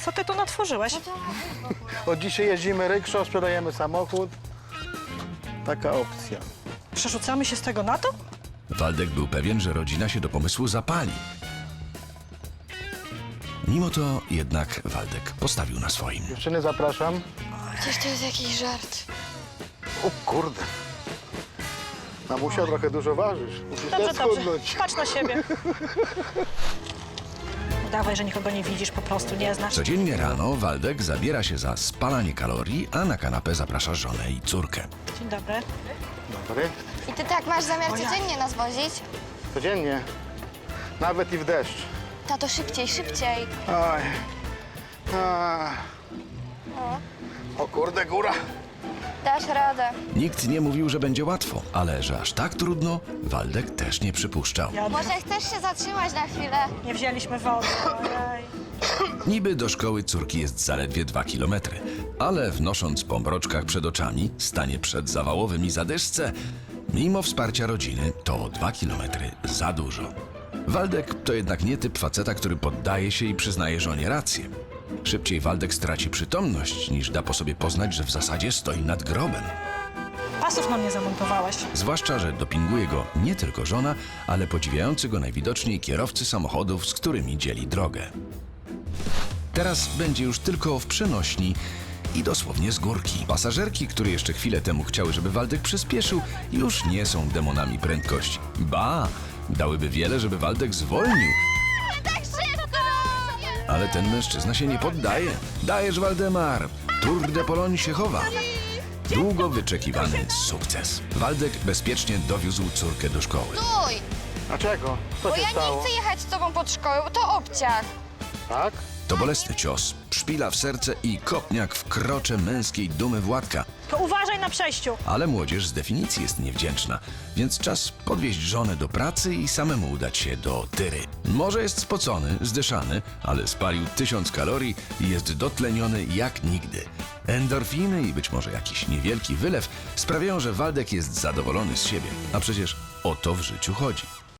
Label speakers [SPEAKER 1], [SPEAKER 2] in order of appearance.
[SPEAKER 1] Co ty tu natworzyłeś?
[SPEAKER 2] Od dzisiaj jeździmy rykszą, sprzedajemy samochód. Taka opcja.
[SPEAKER 1] Przerzucamy się z tego na to?
[SPEAKER 3] Waldek był pewien, że rodzina się do pomysłu zapali. Mimo to jednak Waldek postawił na swoim.
[SPEAKER 2] Dziewczyny, zapraszam.
[SPEAKER 4] Przecież to jest jakiś żart.
[SPEAKER 2] O kurde. Mamusia, trochę dużo ważysz. Musisz
[SPEAKER 1] Dobrze,
[SPEAKER 2] też
[SPEAKER 1] dobrze.
[SPEAKER 2] schudnąć.
[SPEAKER 1] Patrz na siebie. Udawaj, że nikogo nie widzisz, po prostu nie znasz.
[SPEAKER 3] Codziennie rano Waldek zabiera się za spalanie kalorii, a na kanapę zaprasza żonę i córkę.
[SPEAKER 1] Dzień dobry.
[SPEAKER 2] Dobry.
[SPEAKER 4] I ty tak masz zamiar
[SPEAKER 1] O ja.
[SPEAKER 4] codziennie nas wozić?
[SPEAKER 2] Codziennie. Nawet i w deszcz.
[SPEAKER 4] Tato, szybciej, szybciej.
[SPEAKER 2] Oj. A. O kurde, góra.
[SPEAKER 4] Dasz radę.
[SPEAKER 3] Nikt nie mówił, że będzie łatwo, ale że aż tak trudno, Waldek też nie przypuszczał.
[SPEAKER 4] Może chcesz się zatrzymać na chwilę?
[SPEAKER 1] Nie wzięliśmy wody. Ojej.
[SPEAKER 3] Niby do szkoły córki jest zaledwie 2 kilometry, ale wnosząc po mroczkach przed oczami, stanie przed zawałowym i zadyszce, mimo wsparcia rodziny, to 2 kilometry za dużo. Waldek to jednak nie typ faceta, który poddaje się i przyznaje żonie rację. Szybciej Waldek straci przytomność, niż da po sobie poznać, że w zasadzie stoi nad grobem.
[SPEAKER 1] Pasów nam nie zamontowałeś.
[SPEAKER 3] Zwłaszcza, że dopinguje go nie tylko żona, ale podziwiający go najwidoczniej kierowcy samochodów, z którymi dzieli drogę. Teraz będzie już tylko w przenośni i dosłownie z górki. Pasażerki, które jeszcze chwilę temu chciały, żeby Waldek przyspieszył, już nie są demonami prędkości. Ba, dałyby wiele, żeby Waldek zwolnił.
[SPEAKER 4] Tak szybko!
[SPEAKER 3] Ale ten mężczyzna się nie poddaje. Dajesz, Waldemar! Tour de Pologne się chowa. Długo wyczekiwany sukces. Waldek bezpiecznie dowiózł córkę do szkoły.
[SPEAKER 4] Stój!
[SPEAKER 2] Dlaczego? Co
[SPEAKER 4] Bo
[SPEAKER 2] się
[SPEAKER 4] ja nie
[SPEAKER 2] stało?
[SPEAKER 4] chcę jechać z tobą pod szkołę, bo to obciach.
[SPEAKER 2] Tak?
[SPEAKER 3] To bolesny cios, szpila w serce i kopniak w krocze męskiej dumy Władka.
[SPEAKER 1] To uważaj na przejściu.
[SPEAKER 3] Ale młodzież z definicji jest niewdzięczna, więc czas podwieźć żonę do pracy i samemu udać się do tyry. Może jest spocony, zdyszany, ale spalił 1000 kalorii i jest dotleniony jak nigdy. Endorfiny i być może jakiś niewielki wylew sprawiają, że Waldek jest zadowolony z siebie. A przecież o to w życiu chodzi.